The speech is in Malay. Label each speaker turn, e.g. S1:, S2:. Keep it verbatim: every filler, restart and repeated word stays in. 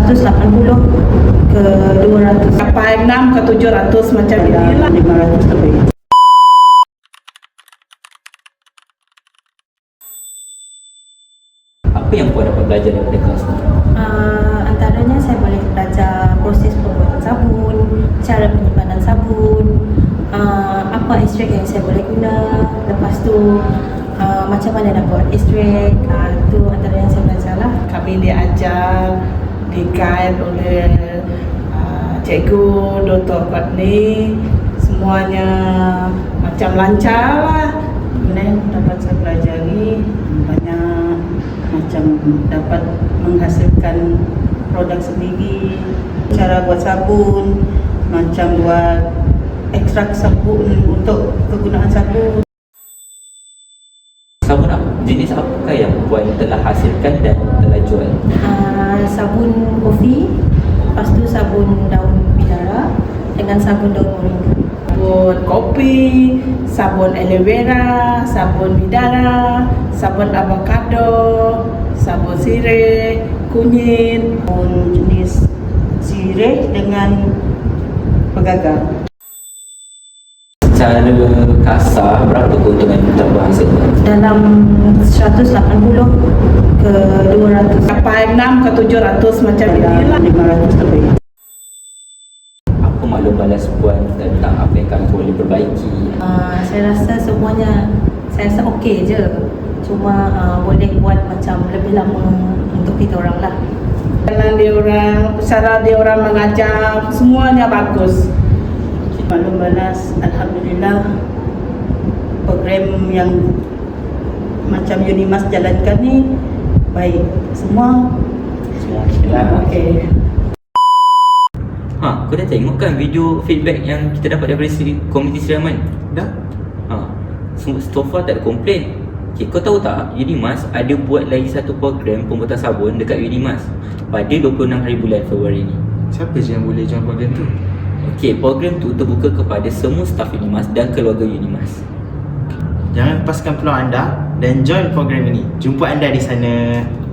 S1: seratus lapan puluh ke dua ratus.
S2: Sampai enam ke tujuh ratus macam inilah.
S3: lima ratus lebih.
S4: Apa yang puan dapat belajar daripada kelas ni?
S1: Uh, antaranya saya boleh belajar proses pembuatan sabun, cara penyimpanan sabun, uh, apa ekstrak yang saya boleh guna, lepas tu uh, macam mana nak buat ekstrak, uh, tu antara yang saya belajar lah.
S2: Kami diajar, di-guide oleh uh, cikgu Doktor Patni. Semuanya macam lancar lah.
S3: Kemudian dapat saya pelajari banyak macam dapat menghasilkan produk sendiri, cara buat sabun, macam buat ekstrak sabun untuk kegunaan sabun.
S4: Sabun apa? Jenis apakah yang puan telah hasilkan dan telah jual?
S1: Uh, sabun kopi, lepas tu sabun daun bidara dengan sabun daun moringa.
S2: Sabun kopi, sabun aloe vera, sabun bidara, sabun avocado, sabun sirih, kunyit.
S3: Sabun jenis sirih dengan pegagang.
S4: Secara kasar, berapa keuntungan yang telah hasilkan?
S1: Dalam seratus lapan puluh ke dua ratus.
S2: Sampai enam ke tujuh ratus macam inilah.
S3: lima ratus lebih.
S4: Apa maklum balas puan tentang apa yang kami boleh perbaiki?
S1: Uh, saya rasa semuanya, saya rasa okey je. Cuma uh, boleh buat macam lebih lama untuk kita orang lah.
S2: Jalan dia orang, cara dia orang mengajar, semuanya bagus.
S3: Maklum balas, alhamdulillah program yang macam Unimas jalankan ni baik. Semua
S4: Semua okeylah.
S3: okey.
S4: Ha, kau dah tengok kan video feedback yang kita dapat daripada Sri, komuniti Sri Aman?
S5: Dah?
S4: Ha, so, so far tak ada komplain. Okay, kau tahu tak, Unimas ada buat lagi satu program pembuatan sabun dekat Unimas pada dua puluh enam hari bulan Februari ni.
S5: Siapa je yang boleh join program tu?
S4: Okey, program tu terbuka kepada semua staf Unimas dan keluarga Unimas.
S5: Jangan lepaskan peluang anda dan join program ini. Jumpa anda di sana.